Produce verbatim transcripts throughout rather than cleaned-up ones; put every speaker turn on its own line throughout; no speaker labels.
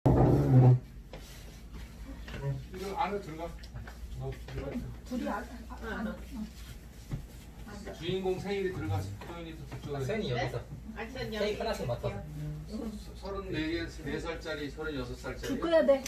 이거 안에 들어가. 어, 들어가.
둘이 안, 아, 안, 안,
주인공 생일이 들어가서 소연이도 저쪽에.
세연이 여기서 케이크 하나씩 맡아서.
서른네 개, 네 살짜리, 서른여섯 살짜리.
줄 거야 돼.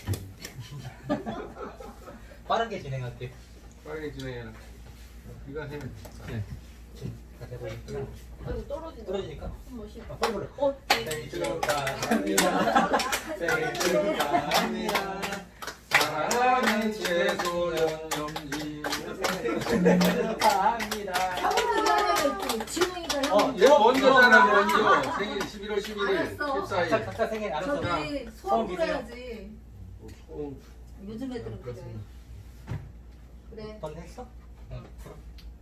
빠르게 진행할게.
빨리 진행해라. 네가 해.
네. 다 돼버리니까.
아이고 떨어진다.
떨어지니까.
멋있어.
아, 빨리 불러.
어,
생일 축하합니다. 생일 축하합니다.
사랑하는 최소연 염지.
생일 축하합니다.
형도 미안해. 지웅이가
어,
형.
얘 먼저잖아, 먼저. 생일 십일월 십일일,
알았어.
십사일.
각자 각자 생일 알아서.
저기 소원 불어야지.
어,
요즘 애들은 그래. 그래.
넌 했어? 응. 불어.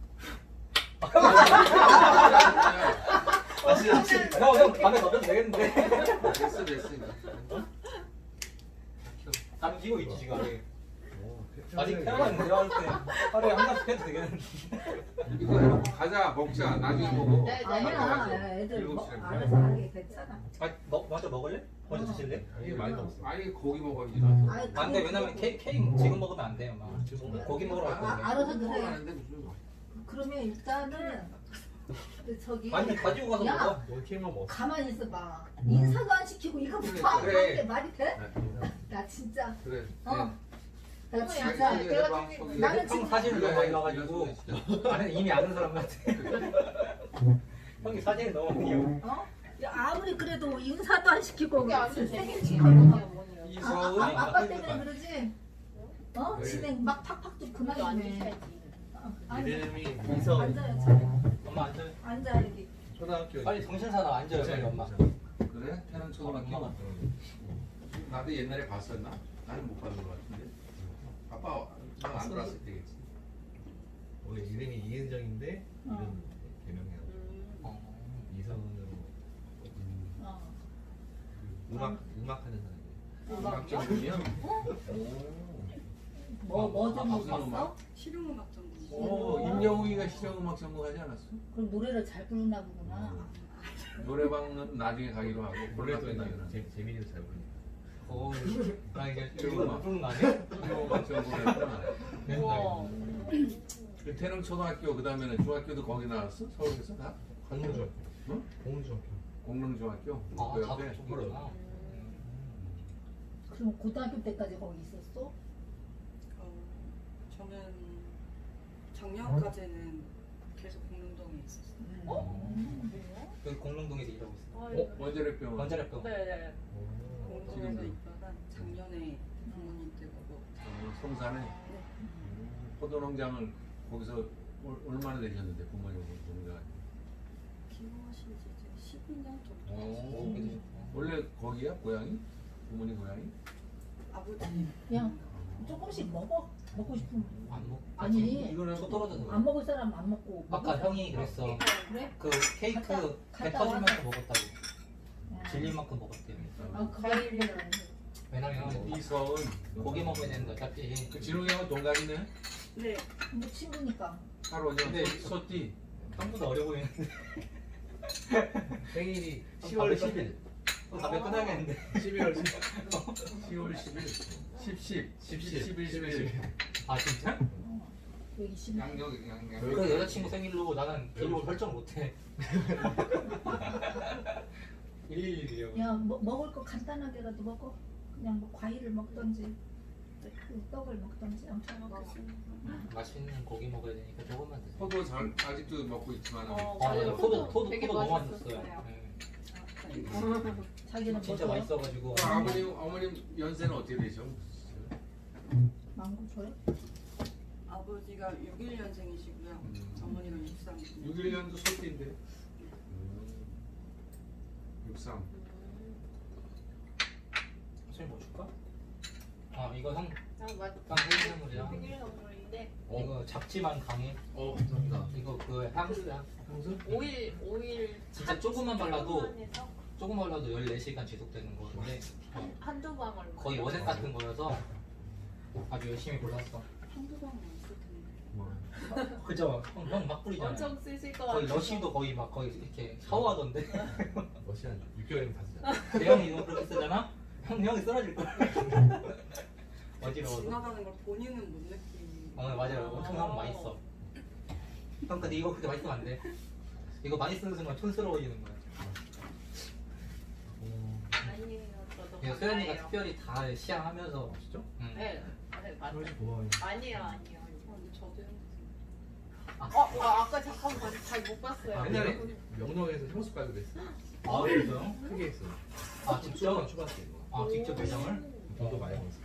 아, 진짜, 진짜. 형, 형, 밤에 넣어도 되겠는데.
됐어, 됐어.
감기고 있지, 지금 아직. 아직 태어났는데, 할 때. 하루에 한 잔씩 해도 되겠는데.
이거 해놓고 가자, 먹자. 나중에 먹어.
네, 네.
아니야. 애들
일곱
뭐,
시에
알아서 하게 괜찮아.
아, 너 먼저 먹을래? 먼저 드실래?
이게 많이 남았어.
아니, 고기 먹어야지.
아니,
안 돼, 왜냐면 케이크, 케이크 지금 먹으면 안 돼요, 막. 고기 먹으러 갈
아,
건데.
알아서 드세요.
먹어야는데 무슨.
그러면 일단은 그 저기
아니, 가지고 가서
야,
먹어.
뭘 케이크만 먹었어.
가만히 있어봐. 인사도 안 시키고 이거부터 안
그래.
하는 게 말이 돼? 나 진짜
그래.
어. 나
어머,
진짜
약간 내가
방
좀-
나는
형
지금
사진을 너무 많이 봐가지고
봐가지고.
아는 이미 아는 사람 같아. 형이 사진을 너무 많이 봐.
어? 야, 아무리 그래도 인사도 안 시키고
그게 안
무슨
돼.
생일
어머니,
축하하고 막
어머니.
이서은.
아, 아, 아빠 때문에 그러지? 어?
그래.
진행 막 팍팍 좀
그거
그만
안
좀 해.
주셔야지.
어, 앉아.
이름이
이서
앉아요. 차례.
엄마 앉아요.
앉아 여기.
초등학교.
빨리 정신사나 앉아요, 빨리 엄마.
그래? 태는 초등학교. 나도 옛날에 봤었나? 나는 못 봤는 것 같은데. 아빠 안 들어왔을 때겠지.
원래 이름이 이은정인데
어.
이름 개명해가지고
음.
어.
이성으로
어.
음악 음악하는 사람이에요.
음악 전공이야?
뭐 뭐 좀
무슨
봤어?
음악?
실용음악 전공.
오, 임영웅이가 실용음악 전공하지 않았어?
그럼 노래를 잘 부르나 보구나.
노래방은 나중에 가기로 하고
원래도
골라서
나 재- 재민이도 잘 부르니까.
어, 나 이제
이거
이거
막-
못 부르는 거 아니야?
실용음악 전공했구나.
우와.
그 태릉 초등학교 그 다음에는 중학교도 거기 나왔어? 서울에서 다?
공중학교.
응?
공중학교.
공릉중학교?
아,
그
다
옆에?
그쪽이구나.
그럼 고등학교 때까지 거기 있었어?
어, 저는 작년까지는 계속 공릉동에 있었어요.
어?
여기 공릉동에서 일하고 있어.
어? 원자력병원.
원자력병.
네네.
공릉동에서
지금도?
있다가 작년에 부모님 댁하고
어, 성산에? 음, 포도농장을 거기서 올- 얼마나 되셨는데 부모님 농장?
기호하신 지 이제 십이 년 정도.
오, 원래 거기야? 고향이? 부모님 고향이?
아버지
그냥 조금씩 먹어. 먹고 싶으면.
안 먹.
아니,
이거는
초 떨어져서.
안 먹을 사람 안 먹고.
아까
먹을 사람
형이 그랬어.
그래?
그 케이크
갔다-
배
갔다
터질 만큼
와서.
먹었다고.
야.
질릴 만큼 먹었대.
아, 그거
과일이랑.
왜냐면
이서은
고기 먹어야 되는데 어차피.
그 진웅이 형은 동갑이네?
네
근데 친구니까.
팔, 오 년
네.
소띠
형보다 어려 보이는데.
생일이
시월 십일. 담배 끊어야겠는데.
십이월 십일.
시월 십일 십, 십,
십십,
십일, 십일
아 진짜?
여기 심.
양력, 양력
그 여자친구 생일로 나는 기록을 설정 못해. 일일이요.
야, 뭐, 먹을 거 간단하게라도 먹어. 그냥 뭐 과일을 먹던지, 그 떡을 먹던지 아무튼 먹어.
맛있는 고기 먹어야 되니까 조금만 드세요.
포도 잘 아직도 먹고 있지만
어,
아,
맞아요.
맞아. 포도 포도
되게
포도 너무
맛있었어요.
맛있었어요. 네.
자기는
진짜
뭐
맛있어가지고.
그 아버님, 어머님 연세는 어떻게 되죠?
망고 줘요?
아버지가 육십일 년생이시고요.
음.
어머니가 육십삼 년.
육십일 년도 소띠인데 육십삼
선생님 뭐 줄까? 아 이거 형
아, 맞다.
형 생일 선물이야.
생일 선물인데
이거 잡지만 강해.
어 감사합니다.
이거 그 향수야.
향수?
오일 오일
진짜 조금만 발라도
해서
조금 발라도 열네 시간 지속되는 거인데 어,
한두 방울.
거의 어색 같은 거여서 아주 열심히 골랐어.
한두 방은 없을 텐데.
뭐.
그죠? 형, 형 막 뿌리잖아.
엄청 쓰실 것
거의
같아서.
러시도 거의 막 거의 이렇게 샤워하던데.
러시안 육 개월이면 다 쓰잖아.
대형이 이거 그렇게 쓰잖아? 형 형이 쓰러질 거야. 어지러워서.
지나가는 걸 본인은 못 느끼는.
어 맞아요. 엄청 형 많이 써. 형 근데 이거 그렇게 많이 쓰면 안 돼. 이거 많이 쓰는 순간 촌스러워지는 거야.
아니에요. 저도
이거 소연이가
화나요.
특별히 다 시향하면서
진짜?
응.
네. 네 맞아요.
그러지 고마워요.
아니에요 아니에요.
어, 근데 저도 해보세요.
어, 어 아까 잠깐 봤- 잘 못 봤어요.
아, 옛날에 명동에서 향수 깔고 그랬어.
아 그래서요?
크게 했어.
아 직접?
초반 초반때 이거.
아 직접 매장을?
돈도 많이 벌었어.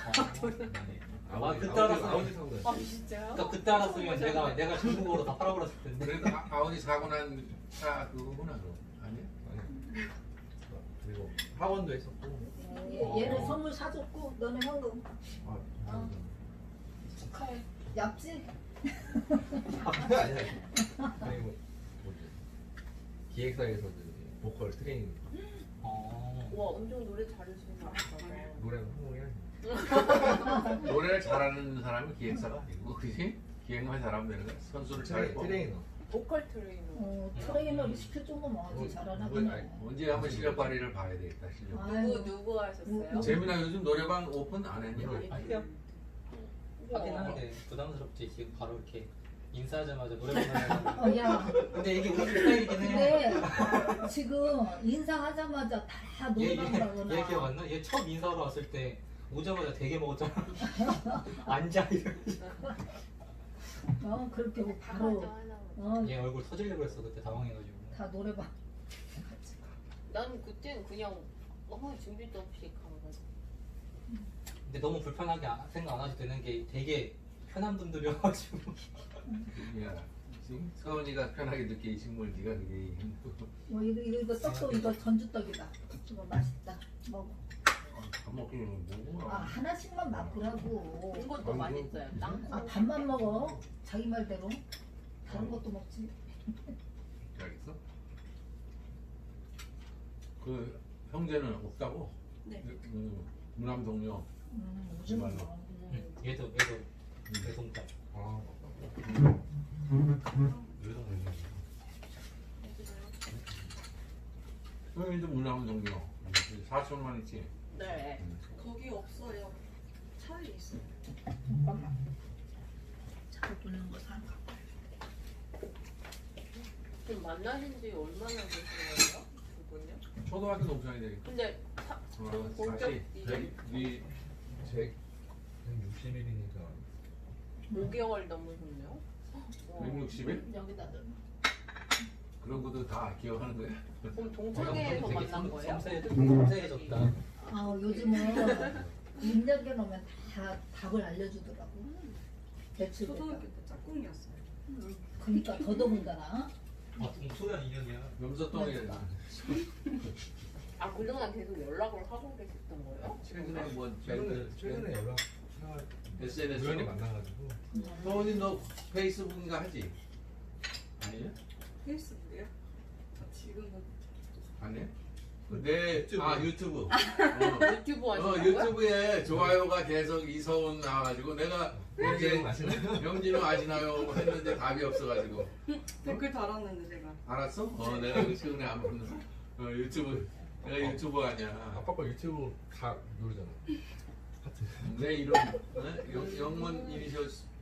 아, 그때 알았어.
아버지 사고
아
그랬어.
진짜요?
그러니까 그때 알았으면 내가 내가 중국어로 다 팔아버렸을 텐데.
그래도 아- 아버지 사고 난 차 그거구나 그럼 아니야?
아니. 그리고 학원도 했었고.
얘- 얘는 선물 사줬고 너는 현금
아,
어. 축하해. 얍지?
아니야. 그리고 뭐지? 기획사에서 그 보컬 트레이닝
어.
와 엄청 노래 잘하시는 거 같아요.
노래는 성공해야지.
노래를 잘하는 사람이 기획사가 아니고 그지? 기획만 잘하면 되는 거야. 선수를 잘했고
트레이너.
보컬 트레이너.
어, 트레이너를 시킬 정도면 아주
뭐,
잘하나
뭐,
보네.
아니,
언제 한번 실력 발휘를 봐야 되겠다 실력.
아유.
누구 누구 하셨어요?
재민아 요즘 노래방 오픈 안 했냐?
아니요. 하긴 하는데 부담스럽지 지금 바로 이렇게 인사하자마자 노래 부르는
어, 야.
근데 이게 우리 스타일이긴 해.
근데 지금 인사하자마자 다
얘,
노래방
얘,
가거나.
얘 기억 안 나? 얘 처음 인사하러 왔을 때 오자마자 되게 먹었잖아. 앉아 이러면서.
어, 그렇게 뭐
다
바로
하죠 하나.
어,
얘 얼굴 터지려고 했어 그때 당황해가지고.
다 노래방.
난 그때는 그냥 아무 준비도 없이 가가지고.
근데 너무 불편하게 안- 생각 안 하셔도 되는 게 되게 편한 분들이어가지고.
야, 지금 서은이가 편하게 느끼 이 식물 네가 그게
뭐 이거 이거, 이거 떡도 이거 전주떡이다. 이거 맛있다. 먹어.
밥 먹기는 뭐?
아 하나씩만 맛보라고.
이것도 맛있어요. 땅콩.
아 밥만 먹어. 자기 말대로. 다른 것도 먹지.
알겠어? 그 형제는 없다고?
네.
그 무남 동료.
음, 요즘
정말로.
뭐.
응. 얘도 얘도 내 동작.
아,
형님도 무남 동료. 사촌만 있지.
네.
거기 없어요. 차에 있어요.
잠깐만. 잘 두는 거 사.
지금 만나신 지 얼마나 되신 거예요? 그분요?
초등학교 동창이 되니까.
근데 사,
어,
좀 본격
다시
이제
네
제 육십 일이니까
오 개월 넘으셨네요.
백육십 일?
여기다 넣어.
그런 것도 다 기억하는 거야?
그럼 동창회에서
되게
만난 거예요?
섬세해- 섬세해졌다.
아 요즘은 입력해 놓으면 다 답을 알려주더라고. 대출.
초등학교 때 짝꿍이었어요.
그러니까 더더군다나.
아 소연 인연이야.
염소똥이
아 그동안 계속 연락을 하고 계셨던 거예요?
최근에 뭐
최근에 최근에 연락
에스엔에스
우연히 만나가지고
서은이 너 페이스북인가 하지? 아니야?
페이스북이요? 아, 지금은
아니야? 내,
유튜브.
아 유튜브 어,
유튜브
어
하시는 거예요?
유튜브에 좋아요가 계속 이서훈 나와가지고 내가
영진은 아시나요?
영진은 아시나요? 했는데 답이 없어가지고
댓글 달았는데 제가.
알았어? 어 내가 그 최근에 안 보는 어 유튜브 내가 유튜브 아니야
아빠 거 유튜브 다 누르잖아. 하트.
내 이름 어? 영, 영문 이니셜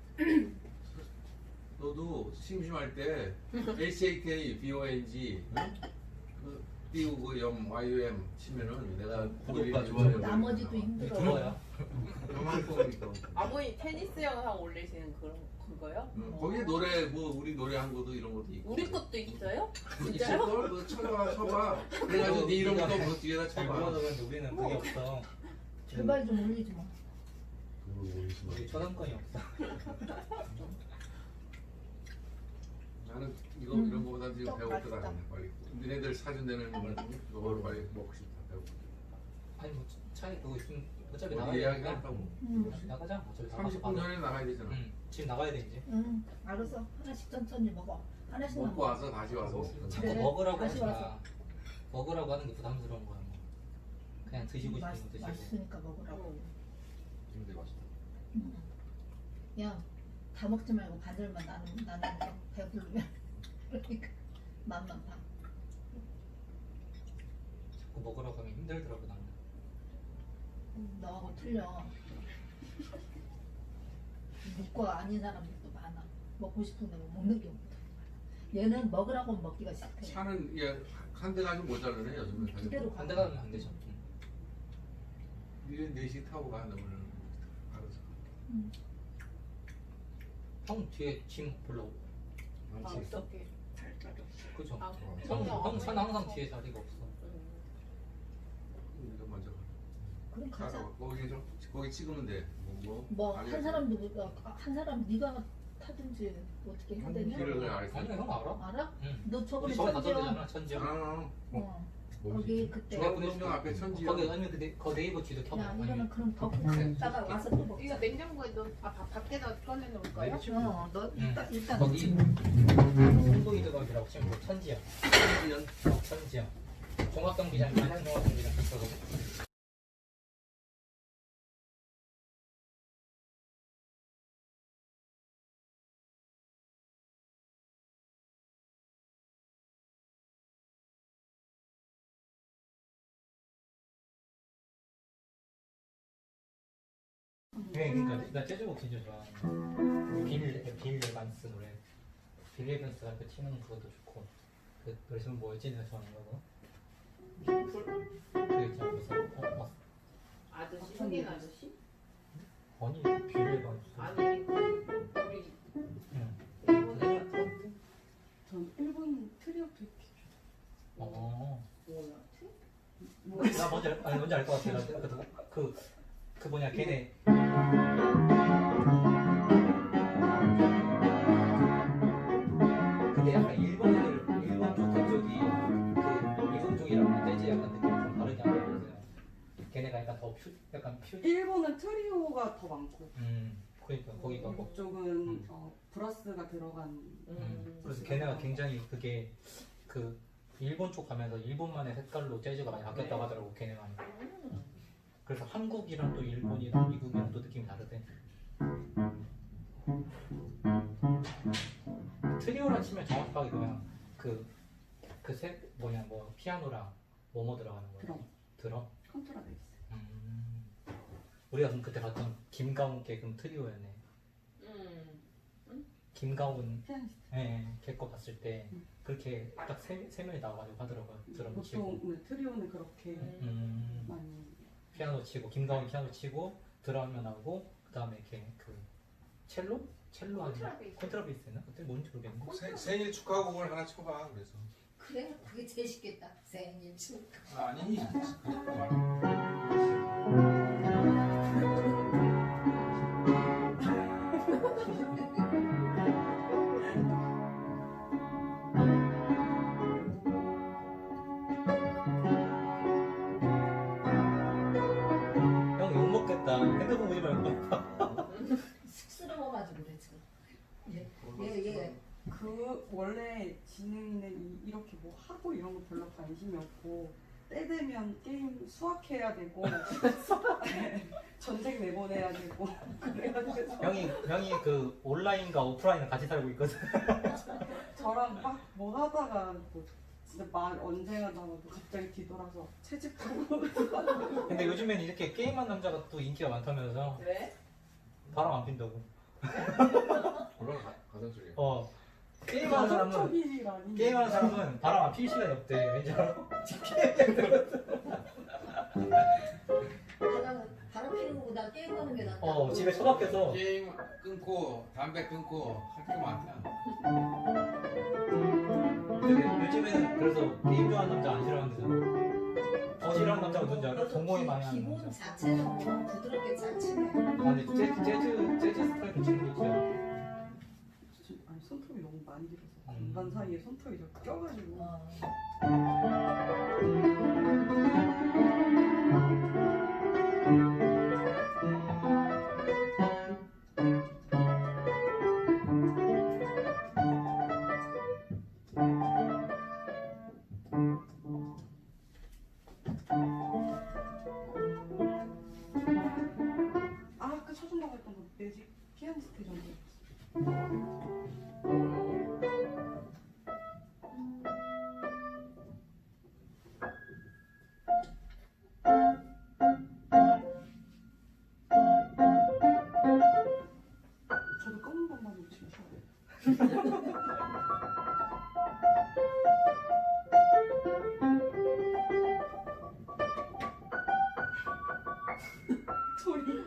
너도 심심할 때 에이치에이케이 비오엔지 그 띄우고 염 와이유엠 치면은 내가
구독과
그거
좋아요.
나머지도 힘들어.
그거야.
요만큼이니까
아버님 테니스 영상 올리시는 그런 그거요?
어, 거기에 노래 뭐 우리 노래 한 것도 이런 것도 있고
우리 것도 있어요?
있을
진짜요?
걸? 너 쳐봐 쳐봐 그래가지고 네 이름도 그 뒤에다
잘
쳐봐
모아놓았는데 우리는 그게 없어.
제발 좀 올리지 마.
그걸 올리시면
우리 저당권이 없어.
나는 이거
음.
이런 거보다 지금
떡
배고프다
맛있다.
그냥 빨리 니네들 사준 데는 이걸 빨리 먹고 싶다 배고프다
아니 뭐 차에 그거 있으면 어차피
어디
나가야
예약이
되니까.
한다고
음.
나가자. 어차피 나가서
삼십 분
바로.
전에 나가야 되잖아
응. 지금 나가야 돼 이제.
응, 알았어. 하나씩 천천히 먹어. 하나씩
먹고
먹어.
와서 다시 와서 먹자.
자꾸
그래,
먹으라고
다시
하지 마.
와서.
먹으라고 하는 게 부담스러운 거야. 뭐. 그냥 드시고 싶은
맛,
거 드시고.
맛있으니까 먹으라고.
응.
근데 맛있다.
응. 야, 다 먹지 말고 반절만 나는 나는 거 배부르면 그러니까 맛만 봐.
자꾸 먹으라고 하면 힘들더라고 나는.
너하고 틀려. 니과 아닌 사람들도 많아. 먹고 싶은데 못 먹는 경우도 많아. 얘는 먹으라고 먹기가 싫대.
차는 얘한 대 가지고 못 자르네 요즘은.
그대로
안 되가면 안 되죠.
일 네 시 타고 가 너는 알아서.
응.
형 뒤에 짐 불러.
아,
망치 있어?
어떻게 잘 자랐어?
그죠?
아,
형,
그냥
형 차는
아무리
항상 뒤에 자리가 없어.
음.
우리가 먼저 가.
그럼 가자.
가서 거기 좀 거기 찍으면 돼. 뭐,
뭐
아니,
한 사람도 못 가. 한 사람 네가 타든지 어떻게 해야
한
되냐?
길을 그냥 알겠어.
아니 형 알아?
알아?
응.
너 저번에
우리 저번에
천지영.
갔었잖아 천지영.
아,
어.
뭐지?
거기 그때.
중앙동명 앞에 천지영.
거기 아니면 그, 네, 그 네이버 지도 켜봐.
야
아니면
이거는 그럼 더 갔다가 와서 또 먹자.
이거 냉장고에 넣, 아, 바- 밖에다 꺼내놓을까요?
어, 너 일단 일단
거기 송도이 드각이라고 치면 그 천지야.
천지영.
어, 천지야. 종합경 기장, 안양 종합경 기장 있어서. 네, 그러니까 나 재즈곡 진짜 좋아하는 빌, 빌 에반스 노래. 빌 에반스가 그 치는 그것도 좋고. 그 노래 제목 뭐였지? 내가 좋아하는 거. 그 있잖아 무슨 어, 어,
아저씨, 흑인 아저씨?
아니 빌 에반스.
아니, 그, 우리
응.
일본에 갔던
전 일본 트리오 되게
어.
뭐야?
뭐
나 뭔지 알, 아니 뭔지 알 것 같아. 나 그, 그, 그 뭐냐 걔네. 근데 약간 일본 애들 일본 쪽 그쪽이 그 미국 쪽이랑 재즈 약간 느낌 좀 다르게 하거든. 걔네가 약간 더 퓨, 약간 퓨.
일본은 트리오가 더 많고
음, 그러니까 거기가 뭐.
미국 쪽은
음.
어, 브라스가 들어간
음, 그래서 걔네가 굉장히 그게 그 일본 쪽 가면서 일본만의 색깔로 재즈가 많이 바뀌었다고 하더라고 걔네가.
음.
그래서 한국이랑 또 일본이랑 미국이랑 또 느낌이 다르대. 트리오라 치면 정확하게 그냥 그그세 뭐냐 뭐 피아노랑 뭐뭐 들어가는 거야?
드럼.
드럼?
컨트라베이스.
음. 우리가 그럼 그때 봤던 김가훈 걔 그럼 트리오였네.
음.
김가훈
피아니스트.
예, 걔거 봤을 때
음.
그렇게 딱 세 세 명이 나와가지고 하더라고요. 드럼 치고.
보통 네, 트리오는 그렇게
음.
많이
피아노 치고 김가훈 피아노 치고 드럼면 나오고 그 다음에 이렇게 그 첼로? 첼로 아니야?
콘트라베이스.
콘트라베이스였나? 그때 뭔지 모르겠네.
세, 생일 축하곡을 하나 쳐봐. 그래서.
그래 그게 제일 쉽겠다. 생일 축하.
아니. 그거 말고.
형 욕먹겠다. 핸드폰 보지 말고.
쑥스러워가지고 그래 지금. 얘얘 얘.
그 원래 지능은 이- 이렇게 뭐 하고 이런 거 별로 관심이 없고 때 되면 게임 수학해야 되고 전쟁 내보내야 되고 그래가지고
형이 형이 그 온라인과 오프라인을 같이 살고 있거든.
저랑 막 뭐 하다가 뭐 진짜 말 언제 하다가 뭐 갑자기 뒤돌아서 채집하고
근데 요즘엔 이렇게 게임한 남자가 또 인기가 많다면서
왜?
바람 안 핀다고.
올라가 가장 소리.
어 게임하는 사람은
가정적이라니
게임하는 사람은 바람 안 필 시간이 없대. 왠지 알아?
바람 바람 피는 거보다 게임하는 게 낫다.
어 집에 처박혀서
게임 끊고 담배 끊고 할 게 많다.
근데 요즘에는 그래서 게임 좋아하는 남자 안 싫어하는데 더 싫어하는 남자가 누군지 알아? 동공이 많이 하는
기본
남자.
자체는 뭐 부드럽게 잘 치네.
아 근데 재즈 재즈 재즈 스타일로 치는 게 있어요.
아니 손톱이 너무 많이 길어서
음.
건반 사이에 손톱이 자꾸 껴가지고
어.
아 아까 쳐준다고 했던 거 매직 피아니스트 정도 소리.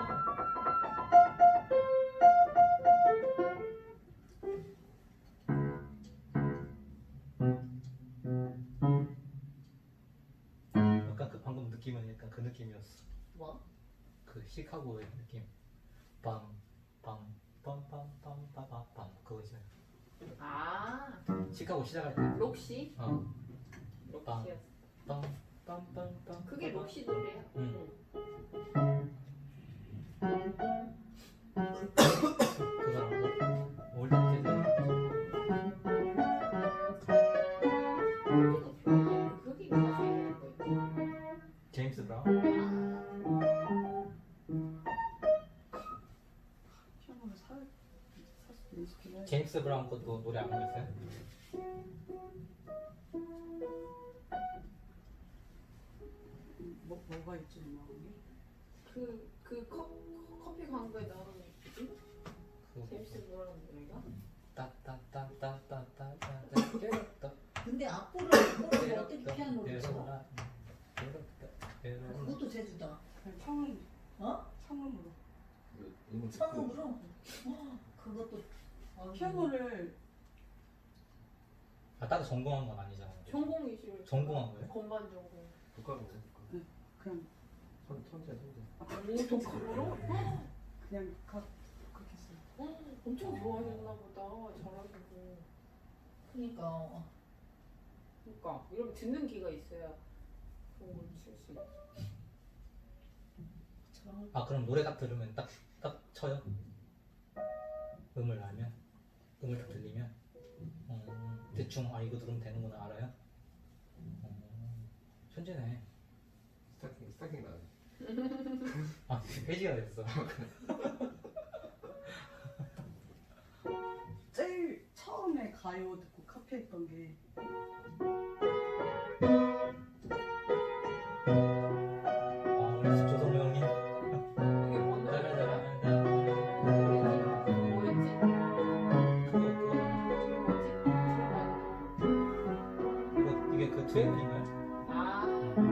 약간 그 방금 느낌은 약간 그 느낌이었어.
뭐?
그 시카고의 느낌. 빰빰빰빰빰빰빰빰 그거 있잖아.
아
시카고 시작할 때.
록시?
어.
록시였어.
빰빰빰빰빰.
그게 록시 노래야.
응. 그거랑 올드 재즈.
그게 가사에 있는 거였지.
제임스 브라운.
피아노를 사 사서 연습해야
제임스 브라운 것도 노래 안 불렀어요?
뭐 뭐가 있지 음악이?
그, 그 컵, 커피 광고에 나오는 거 있지?
그거
제임스 브라운 노래가?
따따따따따따따따.
근데 악보를 악보를 어떻게 피아노를 쳐? 그것도 제주다.
그냥 청음
어?
청음으로.
음을 듣고
성음으로? 어, 그것도 어,
피아노를
아 따로 전공한 건 아니잖아.
전공이실
전공한 거예요?
건반 전공.
독학으로
그냥
선 천재 천재.
오 독학으로?
그냥 각 그렇게 써요.
엄청 좋아하셨나 보다. 잘하시고.
그러니까 어,
그러니까 이렇게 듣는 귀가 있어야 좋은 걸 칠 수 있지.
저런
아 그럼 노래 딱 들으면 딱 딱 쳐요? 음을 알면? 음을 딱 들리면? 음, 대충 아 이거 들으면 되는구나 알아요? 음, 천재네.
스타킹 스타킹 나네.
아 회지가 됐어.
제일 처음에 가요 듣고 카피했던 게
아 우리 집 조성모 형님.
이게 뭔 노래더라?
그거
뭐였지?
그거 이거 이게 그 트웬인가요?
아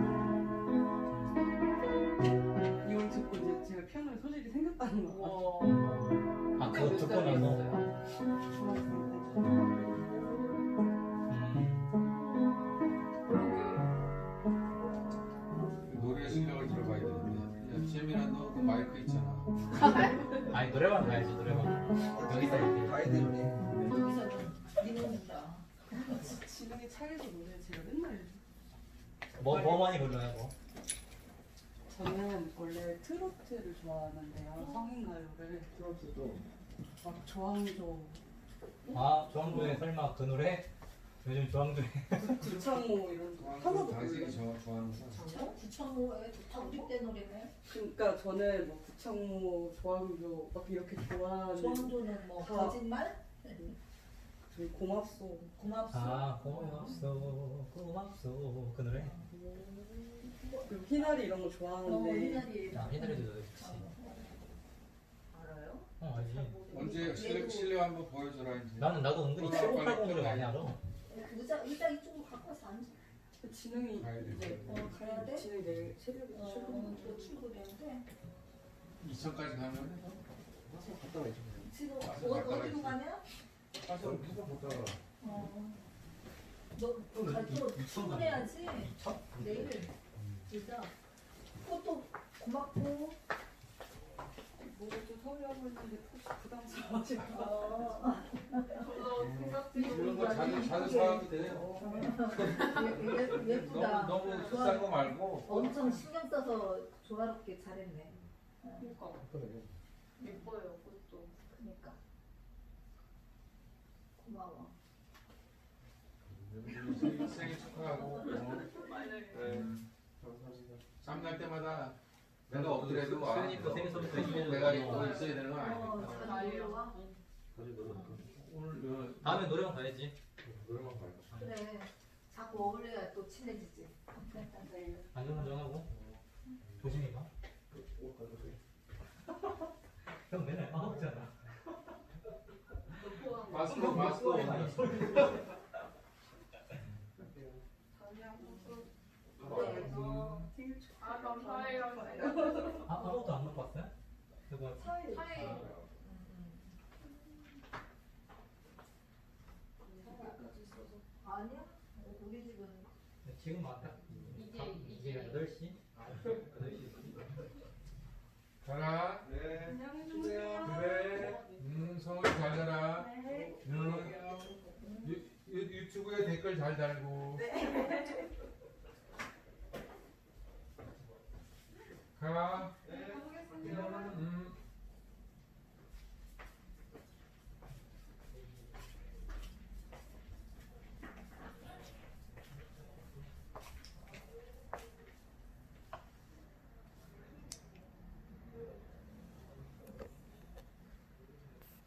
이걸 듣고 이제 제가 피아노에 소질이 생겼다는 거.
우와.
아 그거 듣고 나서.
중학생 때.
음,
노래 실력을 들어봐야 되는데. 야, 재민아 너 그 마이크 있잖아.
아니 노래방 가야지 노래방. 여기서 이렇게.
가야 되는데.
여기서는 니는다.
지능이 차이도 노래 제가 맨날
뭐, 뭐 많이 불러요 뭐?
저는 원래 트로트를 좋아하는데요. 성인 가요를
트로트도
막 조항조,
아 조항조의 설마 그 노래? 요즘 조항조의
구창모 이런 거 하나도
당신이
몰라요.
저 좋아하는 거.
참 구천오에 좋다 우리 때 노래네.
그러니까 저는 뭐 구창모, 조항조 막 이렇게 좋아하는
조항조는 뭐
다-
거짓말?
저희 고맙소.
고맙소.
아 고맙소 고맙소 그 노래?
그리고 희나리 이런 거
어,
좋아하는데
이날이
아 희나리도 노래 좋지.
알아요?
어 알지.
언제 실력 실력 한번 보여줘라 이제.
나는 나도 은근히 칠곡팔곡 노래 많이 알아.
의자 의자 이쪽으로 갖고 와서 앉아.
지능이
가야 돼.
이제
어 가야 돼?
지능이 내일 새벽에
어,
출근.
또 출근인데
이천까지 가면
갔다 와야지.
지금
가서
어,
갔다
어디로
와야지.
가냐?
가서 계속 보다가
어. 너또 출근해야지. 내일 진짜 그것도 고맙고.
뭐또 서울에 하고 있는데 혹시 부담스러워질까.
어.
이런 거 자주 자주 사와도 돼요.
예- 예- 예쁘다.
너무 너무 비싼 거 말고.
엄청 신경 써서 조화롭게 잘했네. 어,
그러니까
그래.
예뻐요 그것도.
그러니까 고마워.
생일, 생일 축하하고. 어. 네. 쌈날 때마다 내가 없더라도 와.
수현이도 생일 선물 해주면
내가 입고 있어야 되는 건
어,
아니니까.
잘 놀러와.
오늘
다음에 노래방 가야지.
노래방 가야
그래. 자꾸 어울려야 또 친해지지.
안전운전하고 조심히 가.
옷 가져오세요.
형 맨날 까먹잖아.
포항
마스크
뭐
마스크
소리 많이
어디
소리.
아 감사해요.
아, 아무것도 안 먹고 왔어요? 그거
사이.
사이.
아,
아니야? 우리 집은
지금 왔다.
이제-
이제 여덟 시? 여덟 시.
가라.
네.
안녕히 주무세요.
그래. 음 성훈이 잘 자라.
네.
응. 유, 유, 유튜브에 댓글 잘 달고. 가.